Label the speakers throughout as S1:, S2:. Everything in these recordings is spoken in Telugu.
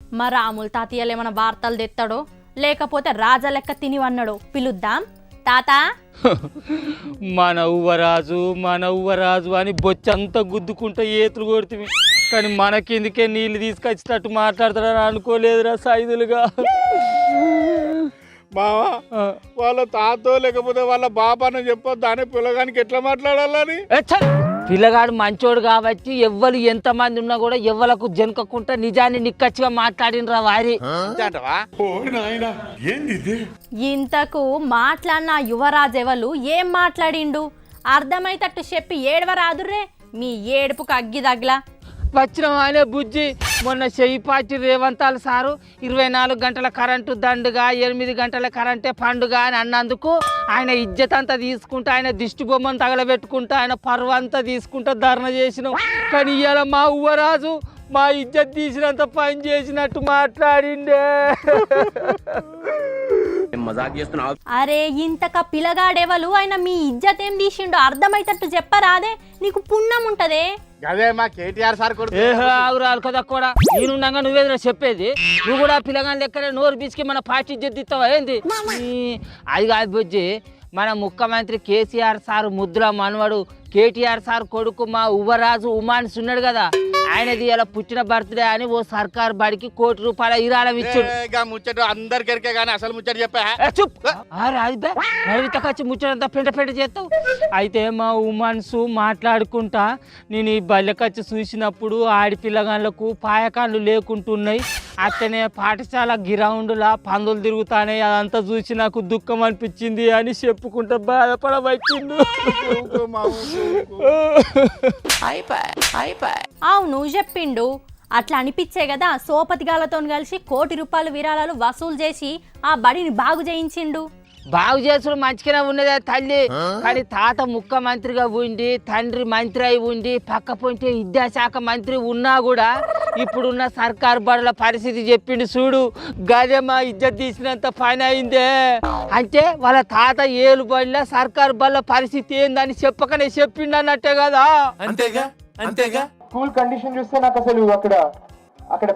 S1: మా రాములు తాతయ్యలు ఏమైనా వార్తలు తెస్తాడో లేకపోతే రాజా లెక్క తినివన్నాడో పిలుద్దాం. తాత
S2: మన ఉవ్వరాజు అని బొచ్చంతా గుద్దుకుంటా ఏతులు కొడుతుంది, కానీ మనకెందుకే నీళ్ళు తీసుకొచ్చినట్టు మాట్లాడతాడని అనుకోలేదురా సైదులుగా.
S3: మావా వాళ్ళ తాతో లేకపోతే వాళ్ళ బాబాను చెప్పొద్దు అని పిల్లగానికి ఎట్లా మాట్లాడాలని.
S2: పిల్లగాడు మంచోడు కాబట్టి ఎవ్వరు ఎంతమంది ఉన్నా కూడా ఎవ్వలకు జనకకుండా నిజాన్ని నిక్కచ్చిగా మాట్లాడినరా వారి.
S1: ఇంతకు మాట్లాడిన యువరాజు ఎవరు ఏం మాట్లాడిండు అర్థమైతట్టు చెప్పి ఏడవరాదుర్రే, మీ ఏడుపుకు అగ్గి తగిలా.
S2: వచ్చిన అనే బుజ్జి మొన్న చెయ్యిపాటి రేవంతాలు సారు 24 గంటల కరెంటు దండుగా 8 గంటల కరెంటే పండుగ అని అన్నందుకు ఆయన ఇజ్జత్ అంతా తీసుకుంటా, ఆయన దిష్టి బొమ్మను తగలబెట్టుకుంటా, ఆయన పర్వంతా తీసుకుంటా ధర్నా చేసినాం. కానీ ఇవాళ మా ఉవ్వరాజు మా ఇజ్జత్ తీసినంత పని చేసినట్టు మాట్లాడిండే.
S1: అరే ఇంతక పిల్లగాడెవలు ఆయన మీ ఇజ్జత్ ఏం తీసిండో అర్థమైతట్టు చెప్పరాదే, నీకు పుణ్యం ఉంటదే.
S3: అదే మా కేటీఆర్ సార్
S2: ఆగురాలు కదా కూడా నేనుండగా నువ్వేదిరా చెప్పేది. నువ్వు కూడా పిల్లగాని లెక్కనే నోరు బీచ్కి మన పార్టీ ఇజ్జత్ ఇస్తావా ఏంది? అది కాదు బుజ్జి, మన ముఖ్యమంత్రి కేసీఆర్ సార్ ముద్దుల మనవడు కేటీఆర్ సార్ కొడుకు మా ఉవ్వరాజు ఉమాన్స్ ఉన్నాడు కదా, ఆయనది ఇలా పుట్టిన బర్త్డే అని ఓ సర్కార్ బడికి ₹1 కోటి విరాళం ఇచ్చాడు.
S3: ముచ్చట అందరికెరికే కానీ అసలు ముచ్చట చెప్పా
S2: వచ్చి ముచ్చటంతా పెంట పెంట చేస్తావు. అయితే మా ఉమాన్స్ మాట్లాడుకుంటా నేను ఈ బల్లెకచ్చి చూసినప్పుడు ఆడిపిల్లగాళ్ళకు పాయకాళ్ళు లేకుంటున్నాయి, అట్లనే పాఠశాల గ్రౌండ్లా పందులు తిరుగుతానే అదంతా చూసి నాకు దుఃఖం అనిపించింది అని చెప్పుకుంటా బాధపడవచ్చింది.
S1: అవును చెప్పిండు, అట్లా అనిపించే కదా సోపతిగాలతో కలిసి ₹1 కోటి విరాళాలు వసూలు చేసి ఆ బడిని బాగు చేయించిండు.
S2: బాగు చేసుడు మంచిగానే ఉన్నదే తల్లి, కానీ తాత ముఖ్యమంత్రిగా ఉండి తండ్రి మంత్రి అయి ఉండి పక్క పొంటే విద్యాశాఖ మంత్రి ఉన్నా కూడా ఇప్పుడున్న సర్కార్ బడుల పరిస్థితి చెప్పిండు చూడు, గదే మా ఇజ్జత్ తీసినంత పని అయిందే. అంటే వాళ్ళ తాత ఏలు బడిలో సర్కార్ బడుల పరిస్థితి ఏందని చెప్పకనే చెప్పిండు అన్నట్టే కదా.
S4: అంతేగా స్కూల్ కండిషన్ చూస్తే నాకు అసలు అక్కడ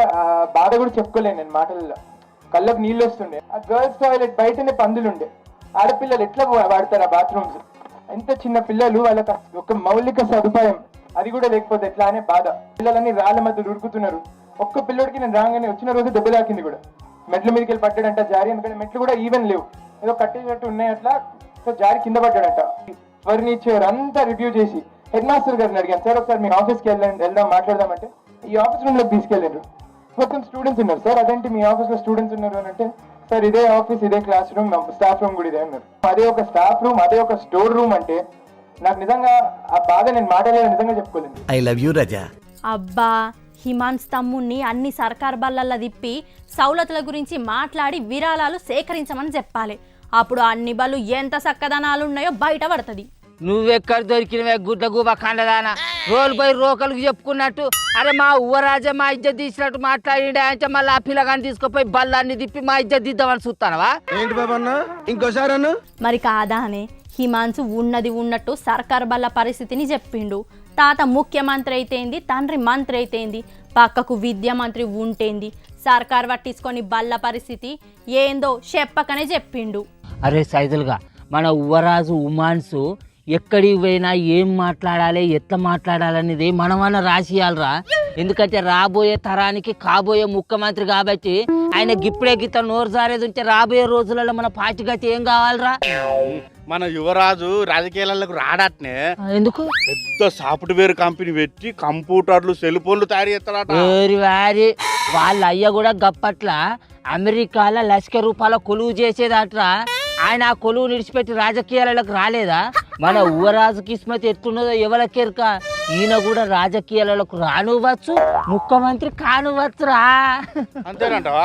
S4: బాధ కూడా చెప్పుకోలేను నేను మాటల్లో. కళ్ళకు నీళ్ళు వస్తుండే, ఆ గర్ల్స్ టాయిలెట్ బయటనే పందులుండే, ఆడపిల్లలు ఎట్లా వాడతారు ఆ బాత్రూమ్స్, ఎంత చిన్న పిల్లలు, వాళ్ళకి ఒక మౌలిక సదుపాయం అది కూడా లేకపోతే ఎట్లా అనే బాధ. పిల్లలని రాళ్ళ మధ్య ఉరుకుతున్నారు. ఒక్క పిల్లడికి నేను రాగానే వచ్చిన రోజు దెబ్బ తాకింది కూడా, మెట్ల మీదకి వెళ్ళి పడ్డాడంట జారి, ఎందుకంటే మెట్లు కూడా ఈవెన్ లేవు, ఏదో కట్టేటట్టు ఉన్నాయి అట్లా, సో జారి కింద పడ్డాడంట. ఫర్నిచర్ అంతా రివ్యూ చేసి హెడ్ మాస్టర్ గారిని అడిగాను, సార్ ఒకసారి మీ ఆఫీస్కి వెళ్దాం మాట్లాడదామంటే ఈ ఆఫీస్ రూమ్ లోకి తీసుకెళ్ళారు. మొత్తం స్టూడెంట్స్ ఉన్నారు. సార్ అదేంటి మీ ఆఫీస్ లో స్టూడెంట్స్ ఉన్నారు అని అంటే, సార్ ఇదే ఆఫీస్, ఇదే క్లాస్ రూమ్, స్టాఫ్ రూమ్ కూడా ఇదే అన్నారు. అదే ఒక స్టాఫ్ రూమ్, అదే ఒక స్టోర్ రూమ్ అంటే నాకు నిజంగా ఆ బాధ నేను మాట్లాడలేదు, నిజంగా చెప్పుకోలేదు.
S5: I love you Raza.
S1: అబ్బా హిమాన్స్ తమ్ముణ్ణి అన్ని సర్కార్ బళ్ళల్లో తిప్పి సౌలతుల గురించి మాట్లాడి విరాళాలు సేకరించమని చెప్పాలి, అప్పుడు అన్ని బళ్ళు ఎంత చక్కదనాలు ఉన్నాయో బయట పడుతుంది.
S2: నువ్వెక్కడ దొరికినవే గుడ్ల గుబ కండదానా, రోలు పోయి రోకలకు చెప్పుకున్నట్టు. అరే మా ఉవ్వరాజా మా ఇజ్జత్ తీసినట్టు మాట్లాడిండే అంటే మళ్ళీ ఆ పిల్లగాని తీసుకుపోయి బళ్ళాన్ని తిప్పి మా ఇజ్జత్ దిద్దామని చూస్తానవా
S5: ఏంటి బాబన్నా ఇంకోసారి అన్న?
S1: మరి కాదానే హిమాన్స్ ఉన్నది ఉన్నట్టు సర్కార్ బళ్ళ పరిస్థితిని చెప్పిండు. తాత ముఖ్యమంత్రి అయితేంది, తండ్రి మంత్రి అయితేంది, పక్కకు విద్యా మంత్రి ఉంటేంది, సర్కార్ పట్టించుకొని బళ్ళ పరిస్థితి ఏందో చెప్పకనే చెప్పిండు.
S2: అరే సైదులుగా మన ఉవ్వరాజు ఉమాన్స్ ఎక్కడికి పోయినా ఏం మాట్లాడాలి ఎట్లా మాట్లాడాలనేది మనమన్నా రాసియాలరా, ఎందుకంటే రాబోయే తరానికి కాబోయే ముఖ్యమంత్రి కాబట్టి ఆయన గిప్పుడే గిత్త నోరు జారేది ఉంటే రాబోయే రోజులలో మన పార్టీ గతి ఏం కావాలరా.
S3: మన యువరాజు రాజకీయాలకు రాడట్నే,
S2: ఎందుకు
S3: పెద్ద సాఫ్ట్వేర్ కంపెనీ పెట్టి కంప్యూటర్లు సెల్ ఫోన్లు తయారు చేస్తాడట.
S2: వారి వాళ్ళ అయ్య కూడా గప్పట్ల అమెరికాలో ₹1,00,000 కొలువు చేసేదట్రా. ఆయన ఆ కొలువు నిడిచిపెట్టి రాజకీయాలకు రాలేదా? మన ఉవ్వరాజు కిస్మత్ ఎట్లున్నదో ఎవరికెరక, ఈయన కూడా రాజకీయాలకు రానువచ్చు, ముఖ్యమంత్రి కానువచ్చురా.
S3: అంతేనంటవా?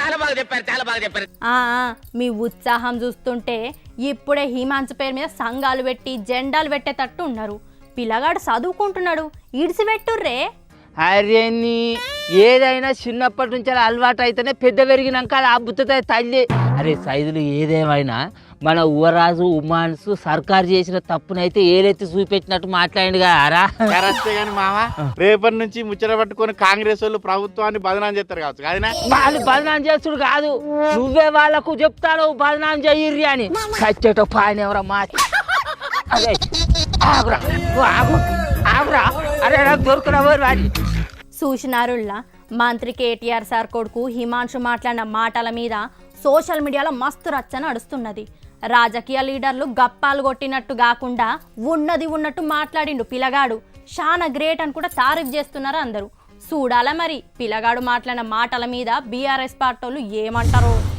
S1: మీ ఉత్సాహం చూస్తుంటే ఇప్పుడే హిమాన్స్ పేరు మీద సంఘాలు పెట్టి జెండాలు పెట్టేటట్టు ఉన్నారు. పిల్లగాడు చదువుకుంటున్నాడు, ఇడిసిపెట్టుర్రే.
S2: అరే నీ ఏదైనా చిన్నప్పటి నుంచి అలవాటు అయితేనే పెద్ద పెరిగినాక అది అబ్బుతుంది తల్లి. అరే సైదులు ఏదేమైనా మన యువరాజు ఉమాన్స్ సర్కారు చేసిన తప్పునైతే ఏలెత్తి చూపెట్టినట్టు మాట్లాడిండు కదా
S3: కరెక్టే కానీ మామ రేపటి నుంచి ముచ్చట పట్టుకొని కాంగ్రెస్ వాళ్ళు ప్రభుత్వాన్ని బదనాం చేస్తారు కావచ్చు కాదనా?
S2: వాళ్ళు బదనాం చేస్తుడు కాదు, నువ్వే వాళ్ళకు చెప్తాను బదనాం చెయ్యిర్రి అని. కచ్చేటో పాయన ఎవరా మా అదే ఆగురా నువ్వు ఆగు ఆగురా, అరే నాకు దొరుకురావు వాడి.
S1: సూచనారుల్లా మంత్రి కేటీఆర్ సార్ కొడుకు హిమాంశు మాట్లాడిన మాటల మీద సోషల్ మీడియాలో మస్తు రచ్చ నడుస్తున్నది. రాజకీయ లీడర్లు గప్పాలు కొట్టినట్టు కాకుండా ఉన్నది ఉన్నట్టు మాట్లాడిండు పిల్లగాడు. చాలా గ్రేట్ అని కూడా తారీఫ్ చేస్తున్నారు అందరూ. చూడాల మరి పిల్లగాడు మాట్లాడిన మాటల మీద బీఆర్ఎస్ పార్టీలు ఏమంటారో.